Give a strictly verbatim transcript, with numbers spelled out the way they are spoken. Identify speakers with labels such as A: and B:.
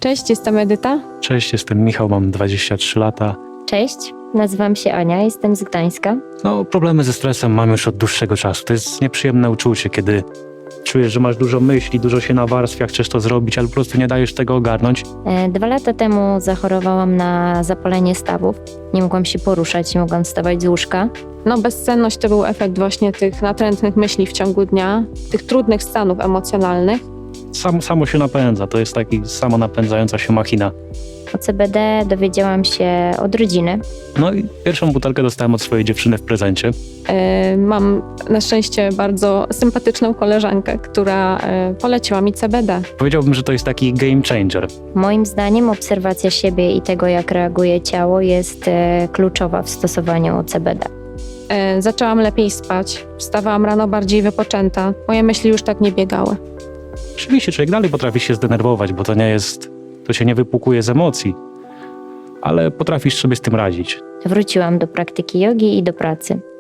A: Cześć, jestem Edyta.
B: Cześć, jestem Michał, mam dwadzieścia trzy lata.
C: Cześć, nazywam się Ania, jestem z Gdańska.
B: No, problemy ze stresem mam już od dłuższego czasu. To jest nieprzyjemne uczucie, kiedy czujesz, że masz dużo myśli, dużo się nawarstwia, chcesz to zrobić, ale po prostu nie dajesz tego ogarnąć.
C: E, Dwa lata temu zachorowałam na zapalenie stawów. Nie mogłam się poruszać, nie mogłam wstawać z łóżka.
A: No, bezsenność to był efekt właśnie tych natrętnych myśli w ciągu dnia, tych trudnych stanów emocjonalnych.
B: Sam, samo się napędza, to jest taki samonapędzająca się machina.
C: O C B D dowiedziałam się od rodziny.
B: No i pierwszą butelkę dostałem od swojej dziewczyny w prezencie.
A: E, Mam na szczęście bardzo sympatyczną koleżankę, która e, poleciła mi C B D.
B: Powiedziałbym, że to jest taki game changer.
C: Moim zdaniem obserwacja siebie i tego, jak reaguje ciało, jest e, kluczowa w stosowaniu C B D.
A: E, Zaczęłam lepiej spać, wstawałam rano bardziej wypoczęta, moje myśli już tak nie biegały.
B: Oczywiście człowiek dalej potrafi się zdenerwować, bo to nie jest, to się nie wypłukuje z emocji, ale potrafisz sobie z tym radzić.
C: Wróciłam do praktyki jogi i do pracy.